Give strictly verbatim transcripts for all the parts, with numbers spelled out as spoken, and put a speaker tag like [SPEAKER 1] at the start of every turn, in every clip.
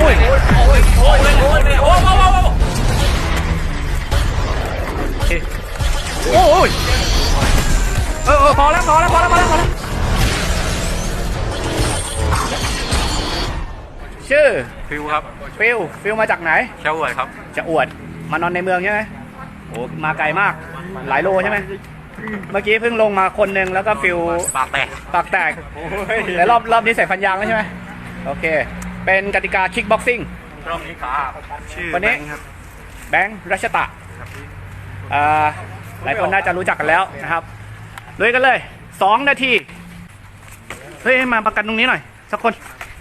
[SPEAKER 1] อ้ยโอ้ยโอ้ยโอ้ยโอ้ยโอ้ยโอ้ยโอ้ยโอ้ยเออเออพอแล้วพอแล้วพอแล้วพอแล้วพอแล้วชื่อ
[SPEAKER 2] ฟิวครับ
[SPEAKER 1] ฟิลฟิลมาจากไหน
[SPEAKER 2] จะอวดครับ
[SPEAKER 1] จะอวดมานอนในเมืองใช่ไหมโอ้มาไกลมากหลายโลใช่ไหมเมื่อกี้เพิ่งลงมาคนหนึ่งแล้วก็ฟิล
[SPEAKER 2] ปากแตก
[SPEAKER 1] ปากแตกแล้วรอบรอบนี้ใส่ฟันยางแล้วใช่ไหมโอเคเป็นกติกาคิกบ็อกซิ่ง
[SPEAKER 2] รอบนี้ครับชื่อ
[SPEAKER 1] วันนี้แบงค์รัชตะหลายคนน่าจะรู้จักกันแล้วนะครับเลยกันเลยสองนาทีเฮ้ยมาประกันตรงนี้หน่อยสักคน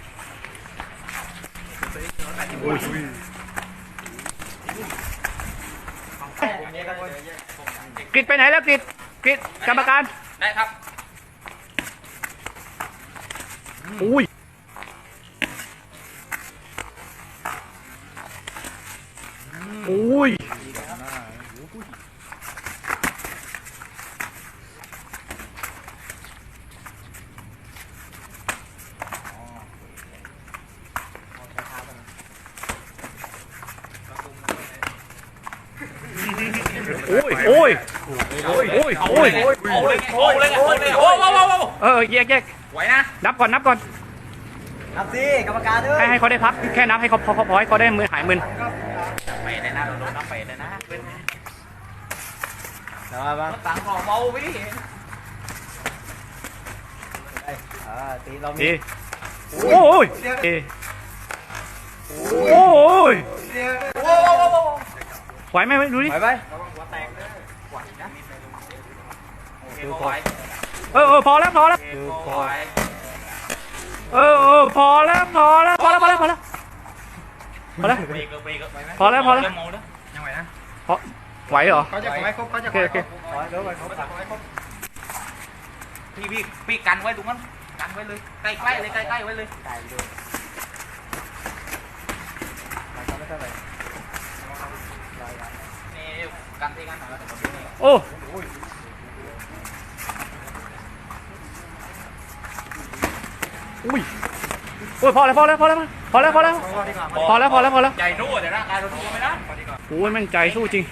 [SPEAKER 1] กริดไปไหนแล้วกริดกริดกรรมการ
[SPEAKER 2] ได้ครับ
[SPEAKER 1] อุ้ยอุ้ยโอ้ยโอ้ยโอ้ยโอ้ยโอ้ยโอ้ยโอ้ยโอ้ยโอ้ยโอ้ยโอ้ยโอ้ยเออแยกแยก
[SPEAKER 2] ไหวนะ
[SPEAKER 1] นับก่อนนับก่อน
[SPEAKER 3] นับสิกรรมการด้วย
[SPEAKER 1] ให้ให้เขาได้พักแค่นับให้เขาพอพอให้เขาได้มือหายมึน
[SPEAKER 2] ไปเลยนะเราโดนนับไปเลยนะ
[SPEAKER 3] แต่ว่าบ้าง
[SPEAKER 2] ต่างของเบาไปดิ
[SPEAKER 3] อ่าตีเรา
[SPEAKER 1] ดีโอ้ยโอ้ยไหวไหมดูดิ
[SPEAKER 3] ไหวไหม
[SPEAKER 1] เออเออพอแล้วพอแล้วเออเออพอแล้วพอแล้วพอแล้วพอแล้วพอแล้วพอแล้วพอแล้วพอแล้ว
[SPEAKER 2] ยังไหวนะ
[SPEAKER 1] พอไหวเหรอ
[SPEAKER 2] เขาจะไหวครบเขาจะ
[SPEAKER 1] โอเคโอเค
[SPEAKER 2] พี่พี่พี่กันไว้ตรงนั้นกันไว้เลยใกล้ใกล้เลยใกล้ใกล้ไว้เลยนี่กันที่กันหน่อยแล้ว
[SPEAKER 1] โอ้อุ้ยโอ้ยพอแล้วพอแล้วพอแล้วพอแล้วพอแล้วพอแล้วพอแล้วพอแล้ว
[SPEAKER 2] ใจสู้แต่ร่างกายเราสู้ไม่ได้
[SPEAKER 1] โอ้ยแม่งใจสู้จริง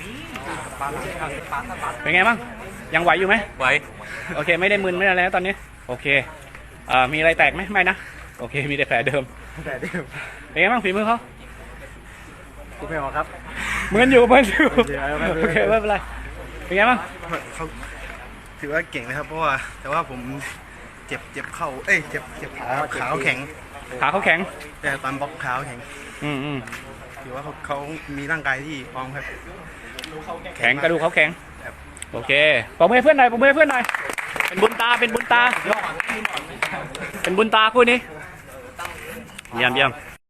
[SPEAKER 1] เป็นไงบ้างยังไหวอยู่ไหม
[SPEAKER 2] ไหว
[SPEAKER 1] โอเคไม่ได้มึนไม่ได้แล้วตอนนี้โอเคอ่ามีอะไรแตกไหมไม่นะโอเคมีแต่แผลเดิม
[SPEAKER 3] แผลเดิม
[SPEAKER 1] เป็นไงบ้างฝีมือเขา
[SPEAKER 3] กูไม่ออกครับ
[SPEAKER 1] เหมือนอยู่เหมือนอยู่โอเคไม่เป็นไรเป็นไงบ้าง
[SPEAKER 4] เขาถือว่าเก่งนะครับเพราะว่าแต่ว่าผมเจ็บเจ็บเข่าเอ้ยเจ็บเจ็บขาขาแข็ง
[SPEAKER 1] ขาเขาแข็ง
[SPEAKER 4] แต่ตอนบล็อกขาแข็ง
[SPEAKER 1] อืมอืม
[SPEAKER 4] ถือว่าเขาเขามีร่างกายที่พร้อมครับ
[SPEAKER 1] แข็งกระดูกเขาแข็งโอเคปรบมือเพื่อนหน่อยปรบมือเพื่อนหน่อยเป็นบุญตาเป็นบุญตาเป็นบุญตาคู่นี้เยี่ยมเยี่ยม